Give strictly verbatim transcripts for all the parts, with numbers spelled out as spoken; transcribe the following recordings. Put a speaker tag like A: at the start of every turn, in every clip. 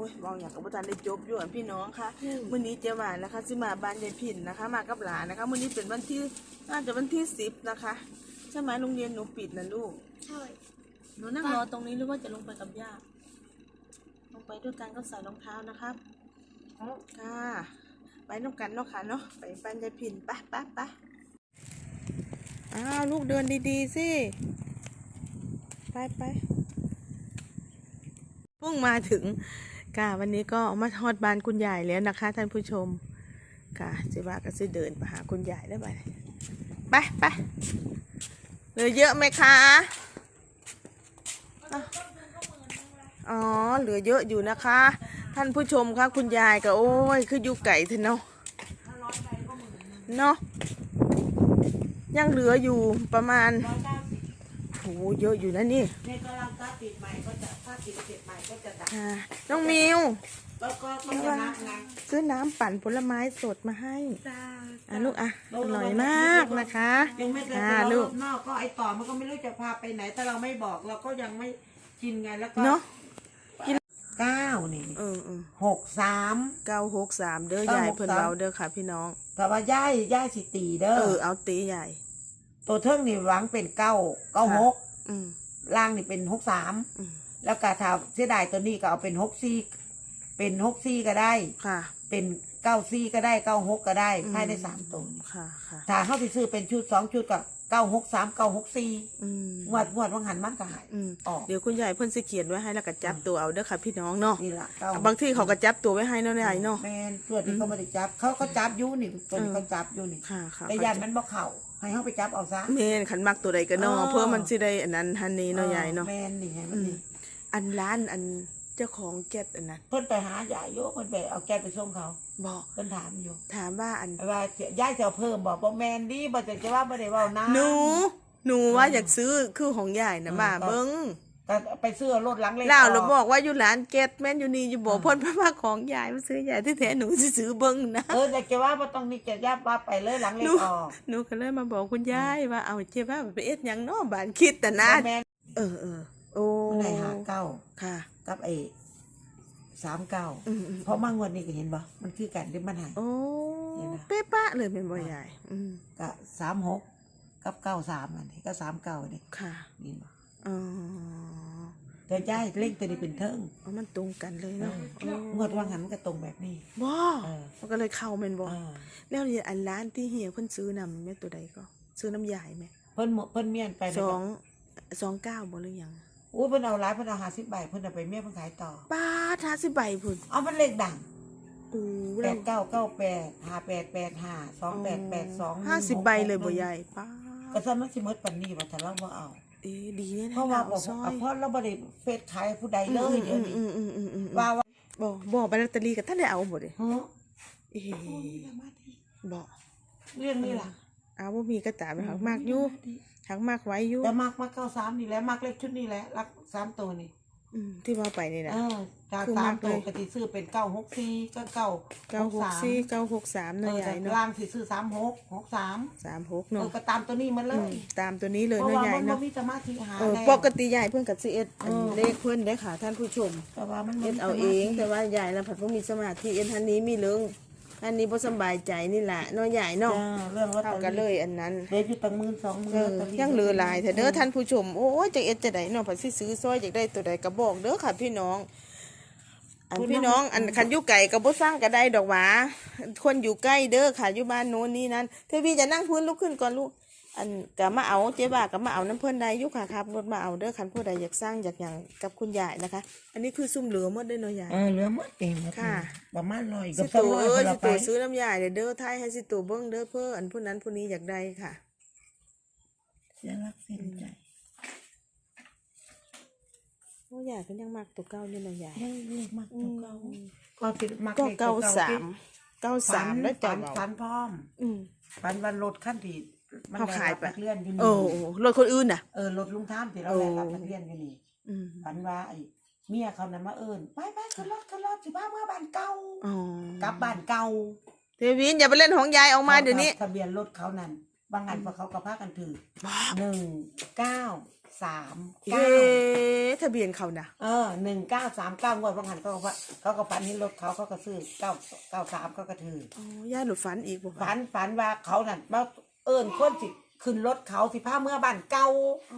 A: อ้ยมองอย่างกับอาจารย์ได้จบอยู่พี่น้องค่ะมื้อนี้เจ้าหวานนะคะสิมาบ้านยายพินนะคะมากับหลานนะคะมื้อนี้เป็นวันที่น่าจะวันที่สิบนะคะใช่ไหมโรงเรียนหนูปิดนะลูก
B: ใช่
A: หนูนั่งรอตรงนี้หรือว่าจะลงไปกับย่าลงไปด้วยกันก็ใส่รองเท้านะครับค่ะไปน้องกันเนาะค่ะเนาะไปบ้านยายพินไปไปไปอ้าวลูกเดินดีๆสิไปไปเพิ่งมาถึงค่ะวันนี้ก็มาทอดบ้านคุณยายแล้วนะคะท่านผู้ชมค่ะเจ๊บ้าก็จะเดินไปหาคุณยายได้ไหมไปไปเหลือเยอะไหมคะอ๋อเหลือเยอะอยู่นะคะท่านผู้ชมคะคุณยายก็โอ้ยคืออยู่ไก่เถอะเนาะเนาะยังเหลืออยู่ประมาณโหเยอะอยู่นะนี่ในกำลังถ้าติดใหม่ก็จะถ้าติดเสร็จใหม่ก็จะดับน้องมิวก็ก็ก็จะนับไงซื้อน้ำปั่นผลไม้สดมาให้อ่ะลูกอ่ะอร่อยมากนะคะ
C: ยังไม่ได้ไปรอบนอกก็ไอต่อมันก็ไม่รู้จะพาไปไหนถ้าเราไม่บอกเราก็ยังไม่กินไงแล้วก็
A: เนาะ
C: เก้านี่
A: เออ
C: หกสาม
A: เก้าหกสามเด้อยายเพิ่นเบาเด้อค่ะพี่น้อง
C: แต่ว่าย่ายย่ายสิตีเด้อ
A: เออเอาตีใหญ่
C: ตัวเทิงนี่หวังเป็นเก้าเก้าหกล่างนี่เป็นหกสามแล้วกาถาเสียดายตัวนี้ก็เอาเป็นหกซี่เป็นหกซี่ก็ได้
A: ค่ะ
C: เป็นเก้าซี่ก็ได้เก้าหกก็ได้ภายในสามตัว
A: ค่ะค่ะ
C: ถ้าเขาไปซื้อเป็นชุดสองชุดก็เก้าหกสามเก้าหกสี่งวดงวดวังหันมันก็หาย
A: ออกเดี๋ยวคุณยายเพิ่นสิเขียนไว้ให้แล้วก็จับตัวเอาเด้อค่ะพี่น้องเนาะ
C: นี่แหละ
A: บางที่เขาก็จับตัวไว้ให้เนาะยายเนาะ
C: แม่นส่วนที่เขาไม่ได้จับเขาเขาจับอยู่นี่ตัวนี้เขาจับอยู่นี่แต่ยันมันบ่เข่าให้เขาไปจับเอาซะ
A: แม่นขันมักตัวใดก็เนาะเพื่อมันสิได้อันนั้นทันนี้เนาะยายเนาะ
C: แม่นนี่ไงมันนี่
A: อันร้านอันเจ้าของแก๊สอันนั้น
C: เพิ่นไปหาใหญ่โยเพิ่นไปเอาแก๊สไปส่งเขา
A: บอก
C: เพิ่นถามอยู่
A: ถามว่าอัน
C: ว่าย้ายจะเพิ่มบอกบ่แม่นดิบ่จะจะว่าบ่ได้เว้านะ
A: หนูหนูว่าอยากซื้อคือของยายนะมาเบิ้ง
C: ก็ไปซื้อรถหลังเล็ก
A: แล้วเราบอกว่าอยู่ร้านแก๊สแม่นอยู่นี่อยู่บอกพ่นพระว่าของยายมาซื้อยายที่แท้หนูสิซื้อเบิ้งนะ
C: เออแต่จะว่าบ่ต้องนี่จะยับว่าไปเลยหลังเล็กออก
A: หนูก็เลยมาบอกคุณยายว่าเอาเจ๊ว่าไปเอ็ดยังเนาะบ้านคิดแต่นะเออเออโอ้
C: ไหนหาเก้า
A: ค่ะ
C: กับไอ้สามเก้าเพราะมางวดนี้ก็เห็นบ่มันคือกันที่มันหาย
A: โอ้เป๊ะปะเลยเป็นบ่ใหญ่
C: ก็สามหกกับเก้าสามอันนี้ก็สามเก้าอันนี้
A: ค่ะ
C: นี่บ่
A: อ๋อ
C: แต่ย้ายเล่งตัวนี้เป็นเทิง
A: อ๋อมันตรงกันเลยเนาะ
C: งวดว่างหันมันก็ตรงแบบนี้
A: บ่มันก็เลยเข้าแม่นบ่แล้วนี่อันร้านที่เฮียเพิ่นซื้อนำแม่ตัวใดก็ซื้อน้ำยายไหม
C: เพิ่นเพิ่นเมียนไป
A: สองสองเก้าบ่หรือยัง
C: อุ้ยเพิ่นเอาหลายเพิ่นเอาห้าสิบใบเพิ่นเอาไปเมียเพิ่นขายต่อ
A: ป้าห้าสิบใบพุ่น
C: เอามันเลขดัง
A: อู้
C: แปดเก้าเก้าแปดห้าแปดแปดห้าสองแปดแปดสอง
A: ห้าสิบใบเลยบ่ใหญ่ป้า
C: ก็ซ้ำมันสิหมดปานนี้ว่าถ้าเราบ่เอา
A: เอ๊ดีแน่
C: เพราะว่าบ่เพราะเราบ่ได้เฟซขายผู้ใดเลยเดี๋ยวนี้ว่าว่า
A: บ่บ่ไปลอตเตอรี่ก็ท่านได้เอาบ่เด้
C: ฮะ
A: เอ๊บ่
C: เรื่องนี้ล่ะ
A: เอาบ่มีกระตาไปหักมากอยู่หักมากไว้อยู่
C: แต่มากมาเก้าสามนี่แหละมากเลขชุดนี้แหละรักสามตัวนี่
A: อืมที่ว่าไปนี่นะ
C: เออจากสามตัวก็สิซื้อเป็นเก้าหกสี่ก็เก้า
A: เก้าหกสี่เก้าหกสามเนาะยายเนาะ
C: ล่างสิซื้อสามหกหกสาม
A: สามหกเนาะ
C: ก็ตามตัวนี้มันเลย
A: ตามตัวนี้เลยเนาะยายเนาะ
C: เพราะว่ามันบ่มีสมาธิหา
A: ปกติยายเพิ่นก็สิเอ็ดเลขเพิ่นได้ค่ะท่านผู้ชม
C: แต่ว่ามัน
A: เอ็ดเอาเองแต่ว่ายายน่ะผัดบ่มีสมาธิเอ็ดทันนี้มีเรื่องอันนี้บ่สบายใจนี่แหละเนาะใหญ่เนาะ
C: เรื่องว่า
A: เท่ากันเลยอันนั้น
C: เดี๋ยวอยู่ตั้งหมื่นสองหมื่น
A: ยังเหลือหลายแต่เด้อท่านผู้ชมโอ้ยจะเอ็ดจะได้เนาะผัดสิซื้อซอยอยากได้ตัวใดก็บอกเด้อค่ะพี่น้องอันพี่น้องอันคันอยู่ไก่ก็บ่สร้างก็ได้ดอกหวาคนอยู่ใกล้เด้อค่ะอยู่บ้านโน้นนี่นั้นเทวีจะนั่งพื้นลุกขึ้นก่อนลูกอันก็มาเอาเจ๊บ้าก็มาเอาน้ำเพิ่นได้อยู่ค่ะครับรถมาเอาเด้อคันผู้ใดอยากสร้างอยากอย่างกับคุณยายนะคะอันนี้คือซุ่มเหลือหมดได้เนาะยาย
C: เออเหลือหมดเอง
A: ค่ะ
C: ประมาณร้อย
A: กับสองร้อยคนละไปสิตัวซื้อน้ำยาเด้อเด้อไทยให้สิตัวเบิ้งเด้อเพื่ออันผู้นั้นผู้นี้อยากได้ค่ะ
C: เสียรักเสียใจ
A: โอ้ยายเป็นยังมักตัวเก่าอยู่นะยาย
C: เล็กมักตัวเก่าก็ติดมัก
A: ก็เก้าสามเก้าสามแล้วจั
C: บฟันพร้อมฟันวันรถขั้นผิด
A: มันขายไป
C: เลื่อนอยู่นี่
A: โอ้รถคนอื่นน่ะ
C: เออรถลุงท่ามที่เราแลกกับเลื่อนอยู่นี่ฟันว่าไอ้เมียเขานั้นมาเอิญไปไปขึ้นรถขึ้นรถสิบ้าเมื่อบ้านเก่ากลับบ้านเก่า
A: เทวินอย่าไปเล่นของยายออกมาเดี๋ยวนี้
C: ทะเบียนรถเขานั้นบางอันพอเขากระพากันถือหนึ่งเก้าสาม
A: เอ๊
C: เก้า
A: ทะเบียนเขานะ
C: เออหนึ่งเก้าสามเก้างวดบางหันเขาก็ว่าเขาก็ฝันเห็นรถเขาเขาก็ซื้อเก้าเก้าสามเขาก็ถือ
A: อ๋อย่าหลุดฝันอีกบ่
C: ฝันฝันว่าเขานั่นมาเอิญคนสิขึ้นรถเขาสิพาเมื่อบ้านเก่า
A: อ๋อ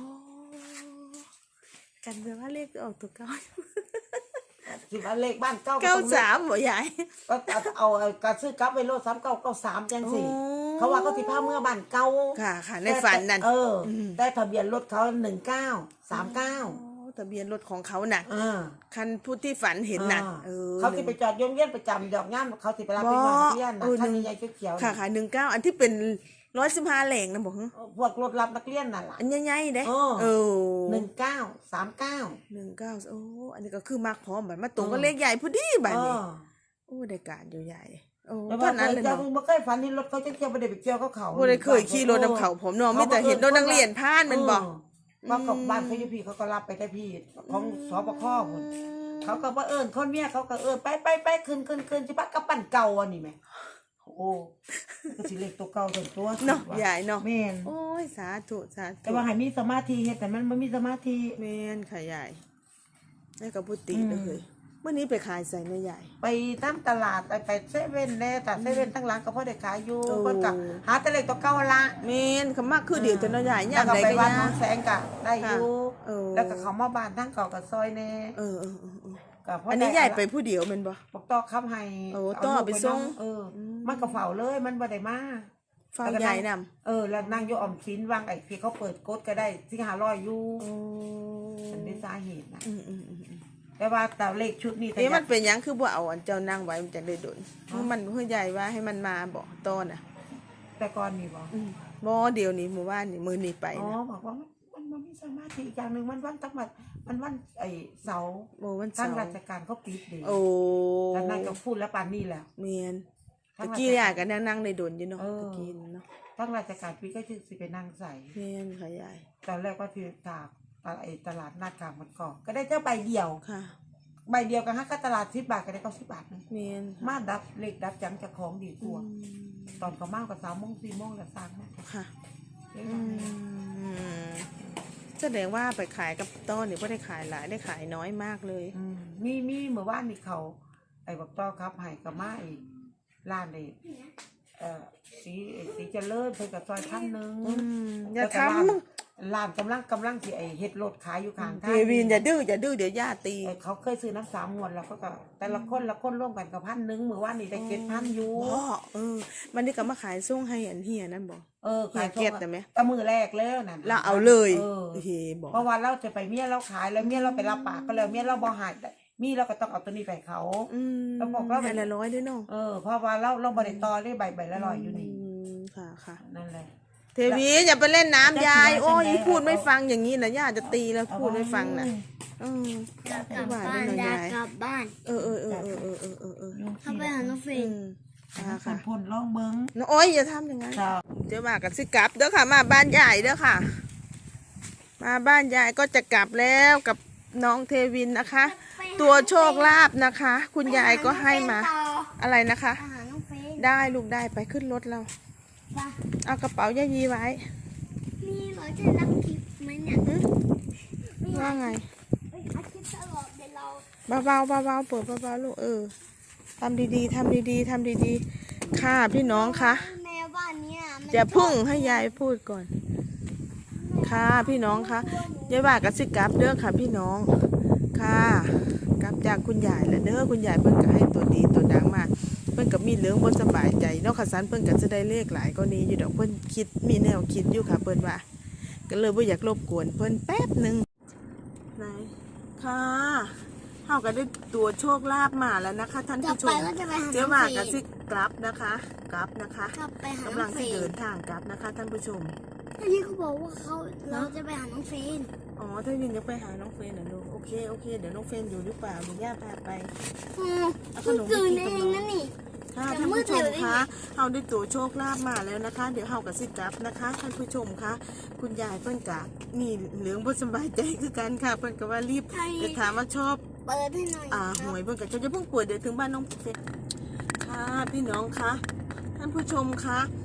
A: กันเดี๋ยวว่าเลขออกตัวเก้า
C: สิว่าเลขบ้านเก่า
A: เก้าสามบ่ยาย
C: ก็เอาเอาเอากระซื้อกลับไปโลดสามเก้าเก้าสามจังสิเขาว่าเขาสิพาเมื่อบ้านเก่า
A: ค่ะค่ะในฝันนั่น
C: เอออได้ทะเบียนรถเขาหนึ่งเก้าสามเก้า
A: อ๋อทะเบียนรถของเขาน่ะ
C: อ่า
A: คันผู้ที่ฝันเห็นน่ะเออ
C: เขาสิไปจอดโยงเยี่ยนประจำดอกงานเขาสิไปรับไปนอนที่ย่านนะท่านใหญ่เขียวๆ
A: ค่ะค่ะหนึ่งเก้าอันที่เป็นร้อยสิบห้าแหล่งนะบอก
C: พวกรถรับนักเรียนนั่นล่ะ
A: อันใหญ่ๆเด้
C: เออ
A: เออ
C: หนึ่งเก้าสามเก้า
A: หนึ่งเก้าโอ้อันนี้ก็คือมากพร้อมแบบมาตรงก็เลขใหญ่พอดีแบบนี้โอ้ได้การอยู่ใหญ่โอ้
C: แต่
A: ต
C: ว่า
A: อนนั้นเลย
C: จะ
A: เนาะ
C: บ่เคยฝันเห็นรถเขาจะเที่ยวบ่ได้ไปเที่ยวเขาเขา
A: บ่ได้เคยขี่รถนำเขาผมเนาะไม่แต่เห็นรถนักเรียนผ่านมันบอก
C: ว่ากับบ้านเขาอยู่พี่เขาก็รับไปได้พี่ของสปคพุ่นเขาก็ว่าเอิญคนเมียเขาก็เอิญไปไปไปขึ้นขึ้นขึ้นจิปักกับปั้นเก่าอันนี้ไหมโอ้ก็สิเล็กตัวเก่าตัวตัว
A: เนาะใหญ่เนาะ
C: แม่น
A: โอ้ยสาธุสาธุ
C: แต่ว่าให้มีสมาธิเฮ็ดแต่มันบ่มีสมาธิ
A: แม่นค่ะใหญ่ได้กับพุติ
C: อืม
A: เลยเมื่อนี้ไปขายใส่ในใหญ่
C: ไปตามตลาดไปไปเซเว่นแน่แต่เซเว่นทั้งหลังก็พอได้ขายอยู่
A: โอ้
C: เพิ่นก็หาแต่เล็กตัวเก่าละ
A: แม่นคำมากคือเดี๋ยวจะเนาะใหญ่
C: แล้
A: ย่าว ง
C: ก็
A: ใด
C: ไป
A: ก็
C: บ้าน
A: ย่า
C: น้องแสงก็ได้อยู่
A: เออ
C: แล้วก็เขามาบ้านทั้งเก่ากับซอยแน่
A: เออเออเออเออ
C: ก็พ
A: อันนี้
C: ด้
A: ใหญ่ไปผู้เดียวแมันบ่
C: บอกต่อคำให้
A: โอ้
C: เา
A: ต่อ
C: ลูก
A: ไปส่ง
C: นำเอออ
A: ม
C: มันก็เฝ้าเลยมันบ่ได้มา
A: ฟังใหญ่นำ
C: เออแล้วนั่งอยู่ออมสินวางไอ้ที่เขาเปิดกดก็ได้ที่หาร้อยอยู่
A: โอ้
C: อันนี้สาเหตุนะ
A: อืมอืมอืมอืม
C: แต่ว่าแต่เลขชุดนี้แต่
A: เอ๊ะ
C: อ
A: มั
C: ยาน ก
A: เป็นหยังคือบ่เอาอันเจ้านั่งไว้มันจะได้โดน
C: อ๋อ
A: มันเพื่อใหญ่ว่าให้มันมาบ่ตอนน่ะ
C: แต่ก่อนนี่บอก
A: อืมบ่เดี๋ยวนี้หมู่บ้านนี่มื้อนี้ไป
C: อ๋อ
A: นะ
C: บอกว่ามันมันมันมีสมาธิอีกอย่างหนึ่งมันวันตั้งมันมันวันไอ้เสาร์
A: โอ้วัน
C: ทา
A: เสาง ร์
C: ราชการเขาปิดเดี
A: โอ้
C: แล้วนั่งก็พูดแล้วปานนี่แหละ
A: แม่น
C: ทาง
A: ตะ
C: ราช
A: กี้อยากก็นั่งนั่งได้โดนอยู่เนาะ
C: เออ
A: ตะกี้เนาะ
C: ทั้งราชการปิดก็คือสิไปนั่งใส่
A: แม่นค่ะใหญ่
C: ตอนแรกก็คือตากตลาดไอ้ตลาดหน้ากลางมันก่อนก็ได้เจ้าใบเดียว
A: ค่ะ
C: ใบเดียวกันฮะก็ตลาดสิบบาทก็ได้เก้าสิบบาทนึง
A: แม่นค่ะ
C: มาดับเลขดับจังจะของดีก
A: อื
C: ว่า
A: ม
C: ตอนเขามากกว่าสามโมงสี่โมงแล้วสามโมง
A: ค่ะ
C: เอ๊ะ
A: อืมแสดงว่าไปขายกับต้นนี่บ่ได้ขายหลายได้ขายน้อยมากเลย
C: อืมมีมีเมื่อวานนี่เขา ไอ้บอกต้อครับให้กับมาอีกร้านเลยเอ่อสีสีเจริญเพิ่นกับซอยพันหนึ่ง
A: อืมอย่า
C: แล้วก็
A: ทำ
C: ร้านร้านกำลังกำลังสิไอ้เฮ็ดรถขายอยู่ข้างทาง
A: เทวินอย่าดื้ออย่าดื้อเดี๋ยวย่าตี
C: เออเขาเคยซื้อน้ำสามงวดแล้วก็ก็แต่ละคนละคนร่วมกันกับพันหนึ่งเมื่อวานนี่ได้เก็ดพันอยู่
A: บ่เออ มันนี่ก็มาขายส่งให้อันเฮียนั่นบ่
C: เออ
A: ขายเก็ดแต่ไหม
C: แต่มือแรกแล้วนั่น
A: เราเอาเลย
C: เออ
A: เฮ้บอก
C: เพราะว่าเราจะไปเมียเราขายแล้วเมียเราไปรับปากก็แล้วเมียเราบ่หายมีเราก็ต้องเอาตัวนี้ไปให้เขา
A: อืม
C: แล้วบอกว่า
A: ให้ละร้อยด้วยเนาะ
C: เออเพราะว่าเราเราบริตอได้ใบใบละร้อยอยู่นี่
A: มค่ะค่ะ
C: นั่นแหละ
A: เทวีอย่าไปเล่นน้ำยาย
C: จะ
A: โอ้ย
C: จะ
A: พูดไม่ฟังอย่างนี้นะย่าจะตีแล้วพูดไม่ฟังนะอืม
B: จะกลับบ้านอยากกลับบ้าน
A: เออเออเออเออเออเออเออเออ
B: ถ้าไปหาน้องเฟ
A: อื
B: น
A: ม
C: ค่ะ
A: ค่ะ
C: ค่ะ
A: ค่ะ
C: พ่นล่องเบิ้ง
A: น้องโอ้ยอย่าทำอย่างนั้น
C: จ้า
A: เดี๋ยวมากันสิกลับเด้อค่ะ มาบ้านยายเด้อค่ะ มาบ้านยายก็จะกลับแล้วกับน้องเทวินนะคะ ตัวโชคลาภนะคะ คุณยายก็ให้มาอะไรนะคะ
B: ไปหาน้องเฟน
A: ได้ลูกได้ไปขึ้นรถเรา
B: ไป
A: เอากระเป๋ายายีไว้
B: มีเราจะรับคลิปไหมเนี่ย
A: หึ
B: มี
A: ว่าไง
B: เอ้ยอัดคลิปตลอดเดี๋ยวเรา
A: เบาๆเบาๆเปิดเบาๆลูกเออทำดีๆทำดีๆทำดีๆค่ะพี่น้องคะ
B: แมวบ้านเนี้ยมัน
A: จะพึ่งให้ยายพูดก่อน ค่ะพี่น้องคะยายว่ากระสิกลับเด้อค่ะพี่น้องค่ะกลับจากคุณยายแล้วเด้อคุณยายเพิ่นก็ให้ตัวดีตัวดังมาเพิ่นก็มีเรื่องบ่สบายใจเนาะค่ะสันเพิ่นก็จะได้เลขหลายก็นี้อยู่ดอกเพิ่นคิดมีแนวคิดอยู่ค่ะเพิ่นว่า ก็เลยบ่อยากรบกวนเพิ่นแป๊บหนึงไหนค่ะเฮาก็ได้ตัวโชคลาภมาแล้วนะคะ ท่าน
B: จะ
A: ผู้ช
B: ไป
A: ม
B: ก็จะไปหา
A: เจ๊
B: น้อง
A: ว่า
B: เฟ
A: กระ
B: น
A: สิกลับนะคะกลับนะคะ
B: กลับไปหาก
A: ำ
B: น้
A: ลั
B: อง งเฟ
A: ที่
B: น
A: เดินทางกลับนะคะ ท่านผู้ชม
B: อันนี้เขาบอกว่าเขาเราจะไปหาน้องเฟน
A: อ๋อถ้าวินจะไปหาน้องเฟนเหรอลูกโอเคโอเคเดี๋ยวน้องเฟนอยู่หรือเปล่าเดี๋ยวย่าพาไป
B: อืมเพิ่งตื่นเองนะนี่
A: ค่ะ
B: จะ
A: ท่าน
B: มืด
A: ผู้ชม
B: เร็วได้ไง
A: คะเฮาได้ตัวโชคลาภมาแล้วนะคะ เดี๋ยวเฮากับสิกลับนะคะท่านผู้ชมคะคุณยายเพิ่นกะมีเหลืองบ่สบายใจคือกันค่ะเพิ่นก็ว่ารีบจะถามว่าชอบ
B: เปิดให้หน่อย
A: อ่า
B: ค
A: ห
B: รับ
A: วยเพิ่นก็จะเพิ่งป่วยเดี๋ยวถึงบ้านน้องเฟนค่ะพี่น้องคะท่านผู้ชมคะ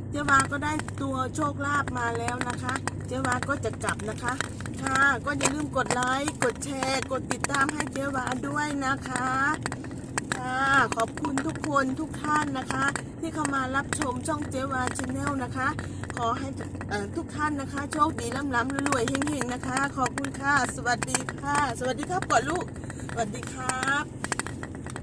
A: เจ๊วาก็ได้ตัวโชคลาภมาแล้วนะคะ เจ๊วาก็จะกลับนะคะ ค่ะ ก็อย่าลืมกดไลค์ กดแชร์ กดติดตามให้เจ๊วาด้วยนะคะ ค่ะ ขอบคุณทุกคนทุกท่านนะคะ ที่เข้ามารับชมช่องเจ๊วาชาแนลนะคะ ขอให้เอ่อทุกท่านนะคะ โชคดีร่ำล้ำรวยๆเฮงๆนะคะ ขอบคุณค่ะ สวัสดีค่ะ สวัสดีครับก่อนลูก สวัสดีครับ